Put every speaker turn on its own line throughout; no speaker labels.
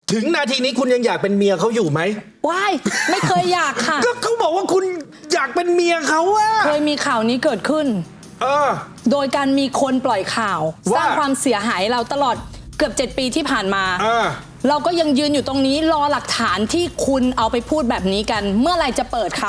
ถึงนาทีนี้คุณยังอยากเป็นเมียเขาอยู่ไหม
ว้ายไม่เคยอยากค่ะ
ก็เขาบอกว่าคุณอยากเป็นเมียเขาอะ
เคยมีข่าวนี้เกิดขึ้น โดยการมีคนปล่อยข่าว
ว่า
สร้างความเสียหายเราตลอดเกือบ7 ปีที่ผ่านมา เราก็ยังยืนอยู่ตรงนี้รอหลักฐานที่คุณเอาไปพูดแบบนี้กัน เมื่อไหร่จะเปิดคะ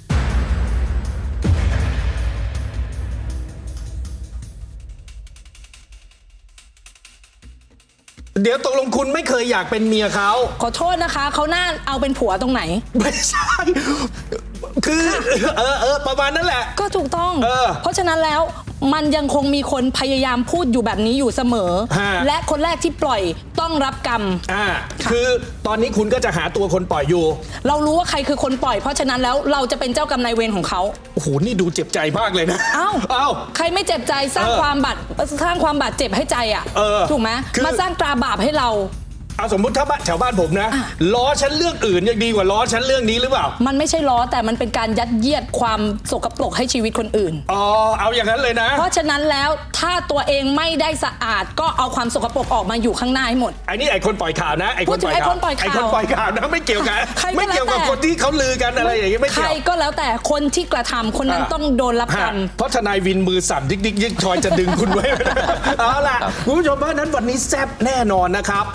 เดี๋ยวตกลงคุณไม่เคยอยากเป็นเมียเขา
ขอโทษนะคะเขาหน้าเอาเป็นผัวตรงไหน
ไม่ใช่คือประมาณนั้นแหละ
ก็ถูกต้อง เพราะฉะนั้นแล้วมันยังคงมีคนพยายามพูดอยู่แบบนี้อยู่เสมอ และคนแรกที่ปล่อยต้องรับกรรม
คือตอนนี้คุณก็จะหาตัวคนปล่อยอยู่
เรารู้ว่าใครคือคนปล่อย เพราะฉะนั้นแล้วเราจะเป็นเจ้ากรรมนายเวรของเขา
โอ้โหนี่ดูเจ็บใจมากเลยนะ
เอ้าใครไม่เจ็บใจสร้างความบาดเจ็บให้ใจอ่ะถูกไหมมาสร้างตราบาปให้เรา
เอาสมมุติถ้าแถวบ้านผมนะล้อฉันเรื่องอื่นยังดีกว่าล้อฉันเรื่องนี้หรือเปล่า
มันไม่ใช่ล้อแต่มันเป็นการยัดเยียดความสกปรกให้ชีวิตคนอื่น
เอาอย่างนั้นเลยนะ
เพราะฉะนั้นแล้วถ้าตัวเองไม่ได้สะอาดก็เอาความสกปรกออกมาอยู่ข้างหน้าให้หมด
ไอ้นี่ไอ้คนปล่อยข่าวนะไอ้คนปล่อยข่าวนะไม่เกี่ยวกันไม่เกี่ยวกับคนที่เขาลือกันอะไรอย่างนี้ไม่เกี่ยว
ใครก็แล้วแต่คนที่กระทำคนนั้นต้องโดนรับกรรม
เพราะทนายวินมือสั่นดิ๊กดิ๊กยิกชอยจะดึงคุณไว้เอาล่ะคุณผู้ชมเพราะนั้นวันนี้แซ่บแน่นอนนะครับ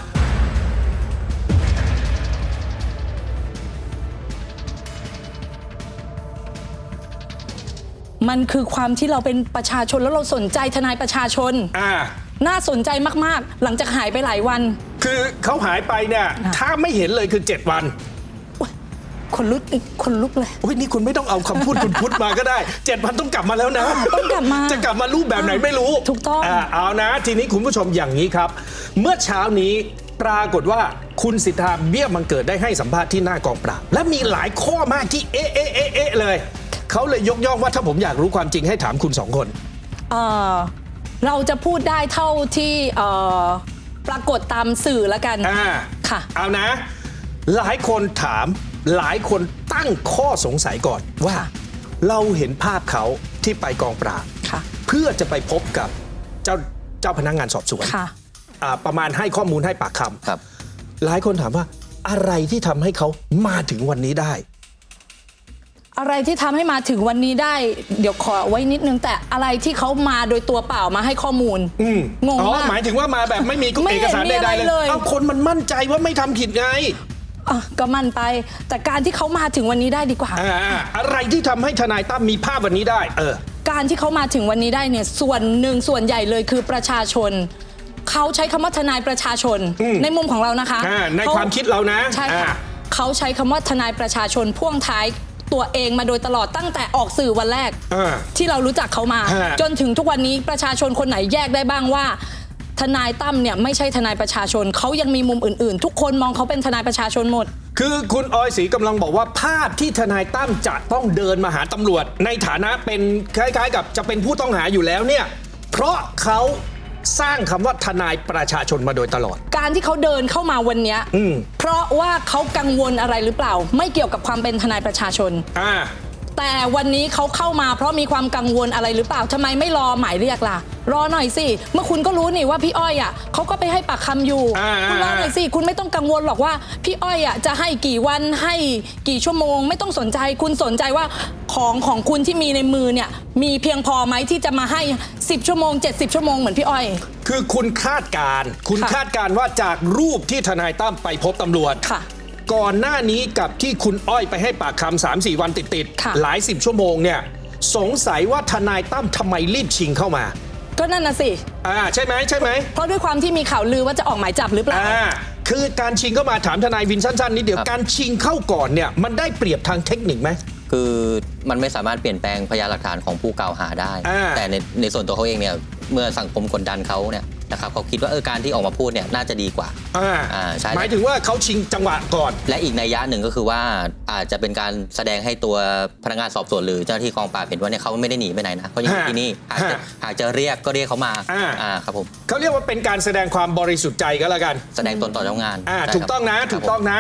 มันคือความที่เราเป็นประชาชนแล้วเราสนใจทนายประชาชนน่าสนใจมากๆหลังจากหายไปหลายวัน
คือเขาหายไปเนี่ยถ้าไม่เห็นเลยคือ7 วัน
คนลุกเลย
โอ้ยนี่คุณไม่ต้องเอาคำพูดคุณพุทธมาก็ได้7 วันต้องกลับมาแล้วนะ
ต้องกลับมา
จะกลับมารูปแบบไหนไม่รู้
ถูกต้อง
เอานะทีนี้คุณผู้ชมอย่างนี้ครับเมื่อเช้านี้ปรากฏว่าคุณสิทธาเบี้ยบังเกิดได้ให้สัมภาษณ์ที่หน้ากองปราบและมีหลายข้อมากที่เอ๊ะเลยเขาเลยยกย่องว่าถ้าผมอยากรู้ความจริงให้ถามคุณ2 คน
เราจะพูดได้เท่าที่ปรากฏตามสื่อแล้วกัน
ค่ะเอานะหลายคนถามหลายคนตั้งข้อสงสัยก่อนว่าเราเห็นภาพเขาที่ไปกองปราบเพื่อจะไปพบกับเจ้าพนักงานสอบสวนประมาณให้ข้อมูลให้ปากคำหลายคนถามว่าอะไรที่ทำให้เขามาถึงวันนี้ได้
อะไรที่ทำให้มาถึงวันนี้ได้เดี๋ยวขอไว้นิดนึงแต่อะไรที่เขามาโดยตัวเปล่ามาให้ข้อมูลงงมาก
หมายถึงว่ามาแบบไม่มีเอกสารใดๆเลยเอาคนมันมั่นใจว่าไม่ทำผิดไง
ก็มั่นไปแต่การที่เขามาถึงวันนี้ได้ดีกว่า
อะไรที่ทำให้ทนายตั้มมีภาพวันนี้ได้
การที่เขามาถึงวันนี้ได้เนี่ยส่วนใหญ่เลยคือประชาชนเขาใช้คำว่าทนายประชาชนในมุมของเรานะคะ
ในความคิดเรานะ
ใช่ค่ะเขาใช้คำว่าทนายประชาชนพ่วงท้ายตัวเองมาโดยตลอดตั้งแต่ออกสื่อวันแรกที่เรารู้จักเขามาจนถึงทุกวันนี้ประชาชนคนไหนแยกได้บ้างว่าทนายตั้มเนี่ยไม่ใช่ทนายประชาชนเขายังมีมุมอื่นๆทุกคนมองเขาเป็นทนายประชาชนหมด
คือคุณออยศรีกำลังบอกว่าภาพที่ทนายตั้มจะต้องเดินมาหาตำรวจในฐานะเป็นคล้ายๆกับจะเป็นผู้ต้องหาอยู่แล้วเนี่ยเพราะเขาสร้างคำว่าทนายประชาชนมาโดยตลอด
การที่เขาเดินเข้ามาวันนี้เพราะว่าเขากังวลอะไรหรือเปล่าไม่เกี่ยวกับความเป็นทนายประชาชนแต่วันนี้เขาเข้ามาเพราะมีความกังวลอะไรหรือเปล่าทำไมไม่รอหมายเรียกล่ะรอหน่อยสิเมื่อคุณก็รู้นี่ว่าพี่อ้อยเขาก็ไปให้ปากคำอยู่คุณรอหน่อยสิคุณไม่ต้องกังวลหรอกว่าพี่อ้อยจะให้กี่วันให้กี่ชั่วโมงไม่ต้องสนใจคุณสนใจว่าของคุณที่มีในมือเนี่ยมีเพียงพอไหมที่จะมาให้10 ชั่วโมง70 ชั่วโมงเหมือนพี่อ้อย
คือคุณคาดการณ์ว่าจากรูปที่ทนายตั้มไปพบตำรวจก่อนหน้านี้กับที่คุณอ้อยไปให้ปากคำ3-4 วันติดๆหลาย10 ชั่วโมงเนี่ยสงสัยว่าทนายตั้มทำไมรีบชิงเข้ามา
ก็นั่นน่ะสิ
ใช่ไหม
เพราะด้วยความที่มีข่าวลือว่าจะออกหมายจับหรือเปล่า
คือการชิงเข้ามาถามทนายวินสั้นๆนิดเดียวการชิงเข้าก่อนเนี่ยมันได้เปรียบทางเทคนิคไหม
คือมันไม่สามารถเปลี่ยนแปลงพยานหลักฐานของผู้กล่าวหาได้แต่ในส่วนตัวเขาเองเนี่ยเมื่อสังคมกดดันเขาเนี่ยนะครับเขาคิดว่าการที่ออกมาพูดเนี่ยน่าจะดีกว่า
ใช่หมายถึงว่าเขาชิงจังหวะก่อน
และอีกนัยยะหนึ่งก็คือว่าอาจจะเป็นการแสดงให้ตัวพนักงานสอบสวนหรือเจ้าหน้าที่กองปราบเห็นว่าเนี่ยเขาไม่ได้หนีไปไหนนะเขายังอยู่ที่นี่หากจะเรียกก็เรียกเขามาครับผม
เขาเรียกว่าเป็นการแสดงความบริสุทธิ์ใจก็แล้วกัน
แสดงตนต่อเจ้างาน
ถูกต้องนะ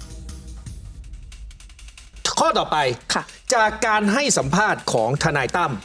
ข้อต่อไปจากการให้สัมภาษณ์ของทนายตั้ม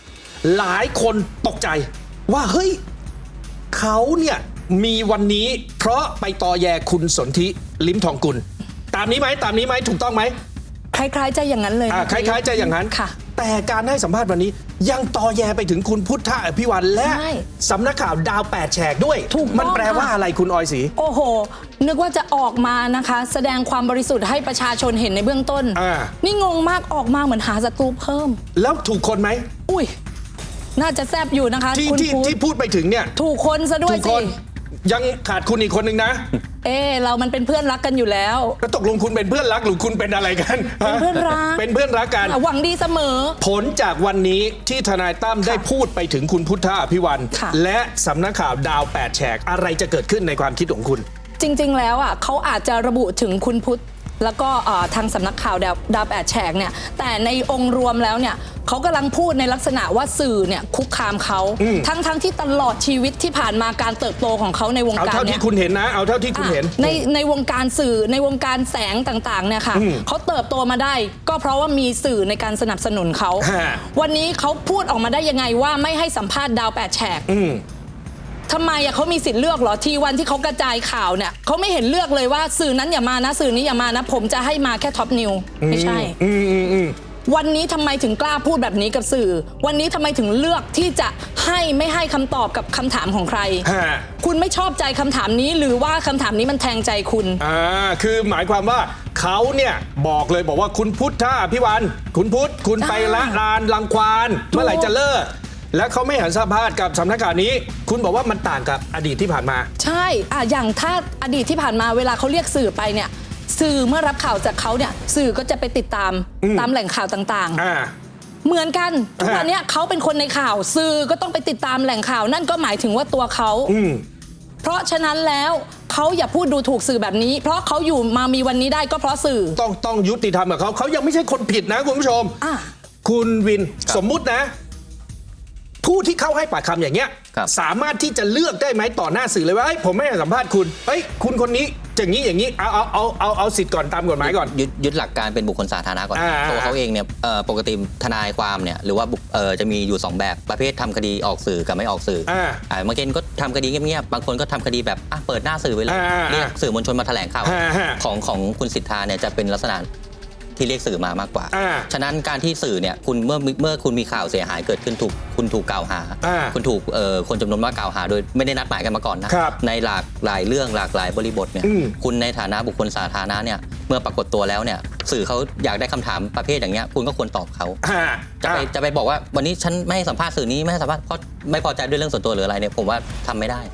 หลายคนตกใจว่าเฮ้ยเขาเนี่ยมีวันนี้เพราะไปตอแยคุณสนธิลิ้มทองกุลตามนี้ไหมถูกต้องไหม
คล้ายๆจะอย่างนั้นเลย
คล้ายๆจะอย่างนั้น
ค่ะ
แต่การให้สัมภาษณ์วันนี้ยังตอแยไปถึงคุณพุทธอภิวันและสำนักข่าวดาว8แฉกด้วยมันแปลว่าอะไรคุณออยศรี
โอ้โหนึกว่าจะออกมานะคะแสดงความบริสุทธิ์ให้ประชาชนเห็นในเบื้องต้นนี่งงมากออกมาเหมือนหาศัตรูเพิ่ม
แล้วถูกคนไหม
อุ้ยน่าจะแซบอยู่นะคะ
ที่พูดไปถึงเนี่ย
ถูกคนซะด้วยสิ
ยังขาดคุณอีกคนหนึ่งนะ
เรามันเป็นเพื่อนรักกันอยู่แล้ว
แล้วตกลงคุณเป็นเพื่อนรักหรือคุณเป็นอะไรกัน
เป็นเพื่อนรัก
เป็นเพื่อนรักกัน
หวังดีเสมอ
ผลจากวันนี้ที่ทนายตั้มได้พูดไปถึงคุณพุทธอภิวันและสำนักข่าวดาว8แฉกอะไรจะเกิดขึ้นในความคิดของคุณ
จริงๆแล้วเขาอาจจะระบุถึงคุณพุทธแล้วก็ทางสำนักข่าวดาว8แฉกเนี่ยแต่ในองค์รวมแล้วเนี่ยเขากำลังพูดในลักษณะว่าสื่อเนี่ยคุกคามเขาทั้งที่ตลอดชีวิตที่ผ่านมาการเติบโตของเขาในวงการ
เอาเท่าที่คุณเห็นนะเอาเท่าที่คุณเห็น
ในวงการสื่อในวงการแสงต่างๆเนี่ยค่ะเขาเติบโตมาได้ก็เพราะว่ามีสื่อในการสนับสนุนเขาวันนี้เขาพูดออกมาได้ยังไงว่าไม่ให้สัมภาษณ์ดาว8แฉกทำไมเขามีสิทธิ์เลือกเหรอทีวันที่เขากระจายข่าวเนี่ยเขาไม่เห็นเลือกเลยว่าสื่อนั้นอย่ามานะสื่อนี้อย่ามานะผมจะให้มาแค่ท็อปนิวไม่ใช่วันนี้ทำไมถึงกล้าพูดแบบนี้กับสื่อวันนี้ทำไมถึงเลือกที่จะไม่ให้คำตอบกับคำถามของใครคุณไม่ชอบใจคำถามนี้หรือว่าคำถามนี้มันแทงใจคุณ
คือหมายความว่าเขาเนี่ยบอกว่าคุณพุทธอภิวันคุณพุทธคุณไปละลานรังควานเมื่อไหร่จะเลิกและเขาไม่หันสัมภาษณ์กับสำนักข่าวนี้คุณบอกว่ามันต่างกับอดีตที่ผ่านมา
ใช่อย่างถ้าอดีตที่ผ่านมาเวลาเขาเรียกสื่อไปเนี่ยสื่อเมื่อรับข่าวจากเขาเนี่ยสื่อก็จะไปติดตามแหล่งข่าวต่างๆเหมือนกันทุกวันนี้เขาเป็นคนในข่าวสื่อก็ต้องไปติดตามแหล่งข่าวนั่นก็หมายถึงว่าตัวเขาเพราะฉะนั้นแล้วเขาอย่าพูดดูถูกสื่อแบบนี้เพราะเขาอยู่มามีวันนี้ได้ก็เพราะสื่อ
ต้องยุติธรรมกับเขายังไม่ใช่คนผิดนะคุณผู้ชมคุณวินสมมุตินะผู้ที่เข้าให้ปากคำอย่างเงี้ยสามารถที่จะเลือกได้ไหมต่อหน้าสื่อเลยว่าผมไม่ให้สัมภาษณ์คุณคุณคนนี้อย่างนี้เอาสิทธิ์ก่อนตามกฎหมายก่อน
ยึดหลักการเป็นบุคคลสาธารณะก่อนตัวเขาเองเนี่ยปกติทนายความเนี่ยหรือว่าจะมีอยู่2แบบประเภททำคดีออกสื่อกับไม่ออกสื่อบางคนก็ทำคดีเงียบๆบางคนก็ทำคดีแบบเปิดหน้าสื่อไปเลยเรียกสื่อมวลชนมาแถลงข่าวของคุณสิทธาเนี่ยจะเป็นลักษณะที่เรียกสื่อมามากกว่าฉะนั้นการที่สื่อเนี่ยคุณเมื่อคุณมีข่าวเสียหายเกิดขึ้นคุณถูกกล่าวหาคุณถูกคนจำนวนมากกล่าวหาโดยไม่ได้นัดหมายกันมาก่อนนะในหลากหลายเรื่องหลากหลายบริบทเนี่ยคุณในฐานะบุคคลสาธารณะเนี่ยเมื่อปรากฏตัวแล้วเนี่ยสื่อเขาอยากได้คำถามประเภทอย่างเงี้ยคุณก็ควรตอบเขาจะไปบอกว่าวันนี้ฉันไม่ให้สัมภาษณ์สื่อนี้ไม่ให้สัมภาษณ์เพราะไม่พอใจด้วยเรื่องส่วนตัวหรืออะไรเนี่ยผมว่าทำไม่ได้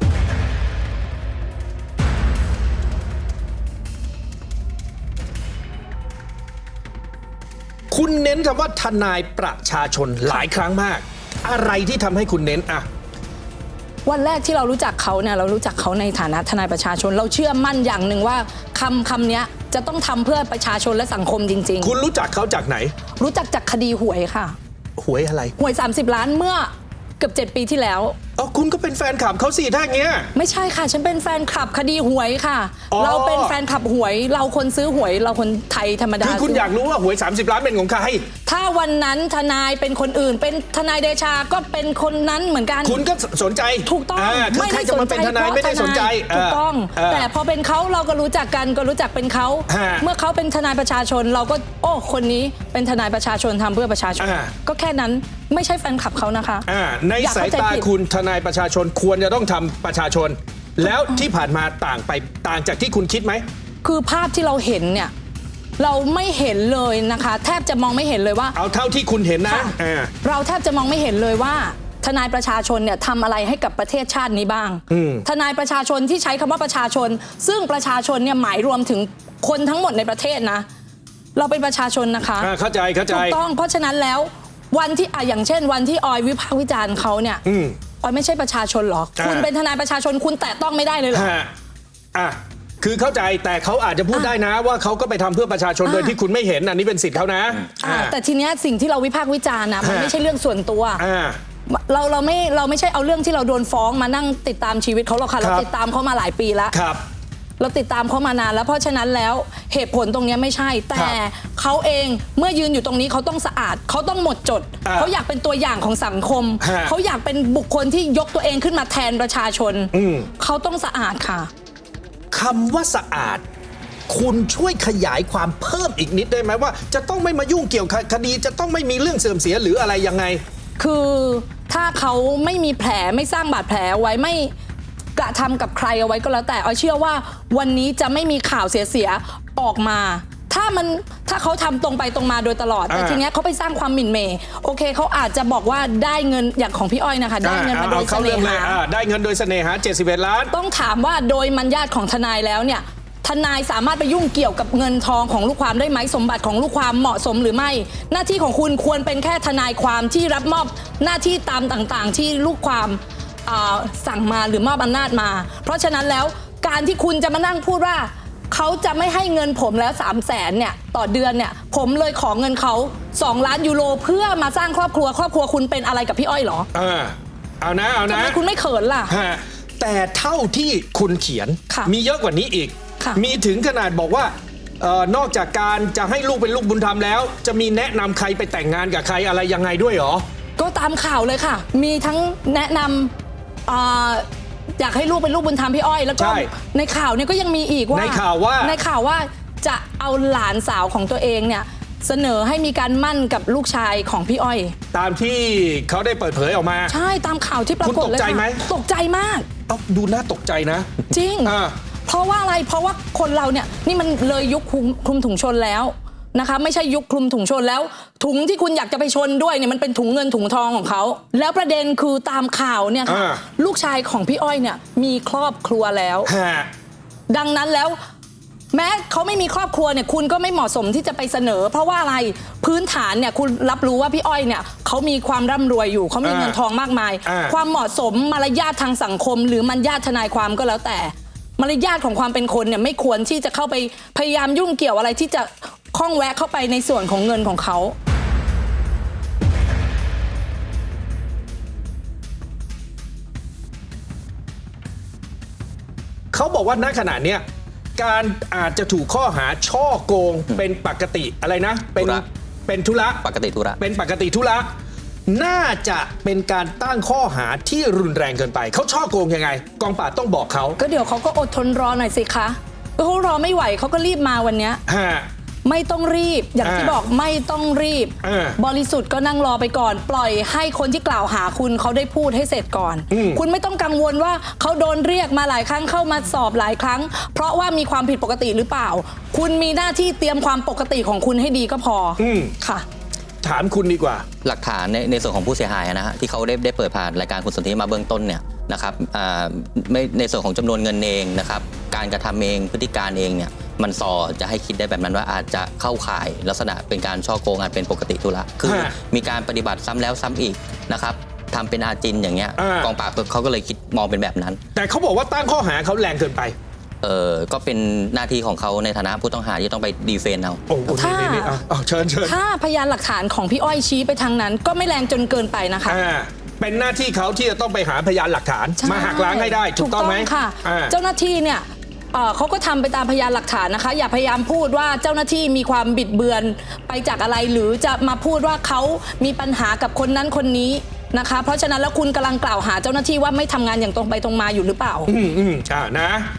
คุณเน้นคำว่าทนายประชาชนหลายครั้งมากอะไรที่ทำให้คุณเน้น
วันแรกที่เรารู้จักเขาเนี่ยเรารู้จักเขาในฐานะทนายประชาชนเราเชื่อมั่นอย่างหนึ่งว่าคำนี้จะต้องทำเพื่อประชาชนและสังคมจริง
ๆคุณรู้จักเขาจากไหน
รู้จักจากคดีหวยค่ะ
หวยอะไร
หวย30 ล้านเมื่อเกือบ7 ปีที่แล้ว
คุณก็เป็นแฟนคลับเขาสิถ้าอย่างเงี้ย
ไม่ใช่ค่ะฉันเป็นแฟนคลับคดีหวยค่ะเราเป็นแฟนคลับหวยเราคนซื้อหวยเราคนไทยธรรมดา
คือคุณอยากรู้ว่าหวย30 ล้านเป็นของใคร
ถ้าวันนั้นทนายเป็นคนอื่นเป็นทนายเดชาก็เป็นคนนั้นเหมือนกัน
คุณก็สนใจ
ถูกต้อง
ไม่ได้สนใจเป็นทนายไม่ได้สนใจ
ถูกต้องแต่พอเป็นเขาเราก็รู้จักกันก็รู้จักเป็นเขาเมื่อเขาเป็นทนายประชาชนเราก็คนนี้เป็นทนายประชาชนทำเพื่อประชาชนก็แค่นั้นไม่ใช่แฟนคลับเขานะคะ
ในสายตาคุณทนายประชาชนควรจะต้องทำประชาชนแล้วที่ผ่านมาต่างจากที่คุณคิดไหม
คือภาพที่เราเห็นเนี่ยเราไม่เห็นเลยนะคะแทบจะมองไม่เห็นเลยว่า
เอาเท่าที่คุณเห็นนะ
เราแทบจะมองไม่เห็นเลยว่าทนายประชาชนเนี่ยทำอะไรให้กับประเทศชาตินี้บ้างทนายประชาชนที่ใช้คำว่าประชาชนซึ่งประชาชนเนี่ยหมายรวมถึงคนทั้งหมดในประเทศนะเราเป็นประชาชนนะคะ
เข้าใจ
ถูกต้องเพราะฉะนั้นแล้ววันที่อย่างเช่นวันที่ออยวิพากษ์วิจารณ์เขาเนี่ยออยไม่ใช่ประชาชนหรอคุณเป็นทนายประชาชนคุณแตะต้องไม่ได้เลยหรอ
คือเข้าใจแต่เขาอาจจะพูดได้นะว่าเขาก็ไปทำเพื่อประชาชนโดยที่คุณไม่เห็นอันนี้เป็นสิทธิ์เขานะ
แต่ทีเนี้ยสิ่งที่เราวิพากษ์วิจารณ์นะมันไม่ใช่เรื่องส่วนตัวเราไม่ใช่เอาเรื่องที่เราโดนฟ้องมานั่งติดตามชีวิตเขาหรอกค่ะเราติดตามเขามาหลายปีแล้วเราติดตามเขามานานแล้วเพราะฉะนั้นแล้วเหตุผลตรงเนี้ยไม่ใช่ แต่เขาเองเมื่อยืนอยู่ตรงนี้เขาต้องสะอาดเขาต้องหมดจดเขาอยากเป็นตัวอย่างของสังคมเขาอยากเป็นบุคคลที่ยกตัวเองขึ้นมาแทนประชาชนเขาต้องสะอาดค่ะ
คำว่าสะอาดคุณช่วยขยายความเพิ่มอีกนิดได้ไหมว่าจะต้องไม่มายุ่งเกี่ยวกับคดีจะต้องไม่มีเรื่องเสื่อมเสียหรืออะไรยังไง
คือถ้าเขาไม่มีแผลไม่สร้างบาดแผลไว้ไม่กระทำกับใครเอาไว้ก็แล้วแต่เชื่อว่าวันนี้จะไม่มีข่าวเสียออกมาถ้าเขาทำตรงไปตรงมาโดยตลอดแต่ทีเนี้ยเขาไปสร้างความหมิ่นเหม่โอเคเขาอาจจะบอกว่าได้เงินอย่างของพี่อ้อยนะคะได้เงินมาโดยเสน่หา
ได้เงินโดยเสน่หา71 ล้าน
ต้องถามว่าโดยมัญญาติของทนายแล้วเนี่ยทนายสามารถไปยุ่งเกี่ยวกับเงินทองของลูกความได้ไหมสมบัติของลูกความเหมาะสมหรือไม่หน้าที่ของคุณควรเป็นแค่ทนายความที่รับมอบหน้าที่ตามต่างๆที่ลูกความสั่งมาหรือมอบอำนาจมาเพราะฉะนั้นแล้วการที่คุณจะมานั่งพูดว่าเขาจะไม่ให้เงินผมแล้ว300,000เนี่ยต่อเดือนเนี่ยผมเลยขอเงินเขา2 ล้านยูโรเพื่อมาสร้างครอบครัวคุณเป็นอะไรกับพี่อ้อยเหรอ
เอานะ
ทำไมคุณไม่เขินล่ะ
แต่เท่าที่คุณเขียนมีเยอะกว่านี้อีกมีถึงขนาดบอกว่านอกจากการจะให้ลูกเป็นลูกบุญธรรมแล้วจะมีแนะนำใครไปแต่งงานกับใครอะไรยังไงด้วยเหรอ
ก็ตามข่าวเลยค่ะมีทั้งแนะนำอยากให้ลูกเป็นลูกบุญธรรมพี่อ้อยแล้วก็ในข่าวเนี่ยก็ยังมีอีกว่าในข่าวว่าจะเอาหลานสาวของตัวเองเนี่ยเสนอให้มีการมั่นกับลูกชายของพี่อ้อย
ตามที่เขาได้เปิดเผยออกมา
ใช่ตามข่าวที่ปรากฏเลย
คุณตกใจไหม
ตกใจมาก
ดูน่าตกใจนะ
จริงเพราะว่าอะไรเพราะว่าคนเราเนี่ยนี่มันเลยยุคคลุมถุงชนแล้วนะคะไม่ใช่ยุคคลุมถุงชนแล้วถุงที่คุณอยากจะไปชนด้วยเนี่ยมันเป็นถุงเงินถุงทองของเขาแล้วประเด็นคือตามข่าวเนี่ยค่ะลูกชายของพี่อ้อยเนี่ยมีครอบครัวแล้วดังนั้นแล้วแม้เขาไม่มีครอบครัวเนี่ยคุณก็ไม่เหมาะสมที่จะไปเสนอเพราะว่าอะไรพื้นฐานเนี่ยคุณรับรู้ว่าพี่อ้อยเนี่ยเขามีความร่ำรวยอยู่เขามีเงินทองมากมายความเหมาะสมมารยาททางสังคมหรือมารยาททนายความก็แล้วแต่มารยาทของความเป็นคนเนี่ยไม่ควรที่จะเข้าไปพยายามยุ่งเกี่ยวอะไรที่จะข้องแวะเข้าไปในส่วนของเงินของเขา
เขาบอกว่าณขณะเนี้ยการอาจจะถูกข้อหาช่อโกงเป็นปกติอะไรนะเป็นธุระ
ปกติธุระ
เป็นปกติธุระน่าจะเป็นการตั้งข้อหาที่รุนแรงเกินไปเขาช่อโกงยังไงกองปราบต้องบอกเขา
ก็เดี๋ยวเขาก็อดทนรอหน่อยสิคะเขารอไม่ไหวเขาก็รีบมาวันเนี้ยไม่ต้องรีบอย่างที่บอกไม่ต้องรีบบริสุทธิ์ก็นั่งรอไปก่อนปล่อยให้คนที่กล่าวหาคุณเขาได้พูดให้เสร็จก่อนคุณไม่ต้องกังวลว่าเขาโดนเรียกมาหลายครั้งเข้ามาสอบหลายครั้งเพราะว่ามีความผิดปกติหรือเปล่าคุณมีหน้าที่เตรียมความปกติของคุณให้ดีก็พอค่ะ
ถามคุณดีกว่า
หลักฐานในส่วนของผู้เสียหายนะฮะที่เขาได้เปิดผ่านรายการคุณสนธิมาเบื้องต้นเนี่ยนะครับไม่ในส่วนของจำนวนเงินเองนะครับการกระทำเองพฤติการเองเนี่ยมันส่อจะให้คิดได้แบบนั้นว่าอาจจะเข้าข่ายลักษณะเป็นการช่อโกงอาจเป็นปกติธุระคือมีการปฏิบัติซ้ำแล้วซ้ำอีกนะครับทำเป็นอาจินอย่างเงี้ยกองปราบเขาก็เลยคิดมองเป็นแบบนั้น
แต่เขาบอกว่าตั้งข้อหาเขาแรงเกินไป
ก็เป็นหน้าที่ของเขาในฐานะผู้ต้องหาที่ต้องไปดีเฟนเอา
เชิญ
ถ้าพยานหลักฐานของพี่อ้อยชี้ไปทางนั้นก็ไม่แรงจนเกินไปนะคะ
เป็นหน้าที่เขาที่จะต้องไปหาพยานหลักฐานมาหักล้างให้ได้ถูกต้องไหม
ค่ะเจ้าหน้าที่เนี่ยเขาก็ทำไปตามพยานหลักฐานนะคะอย่าพยายามพูดว่าเจ้าหน้าที่มีความบิดเบือนไปจากอะไรหรือจะมาพูดว่าเขามีปัญหากับคนนั้นคนนี้นะคะเพราะฉะนั้นแล้วคุณกำลังกล่าวหาเจ้าหน้าที่ว่าไม่ทำงานอย่างตรงไปตรงมาอยู่หรือเปล่า
นะ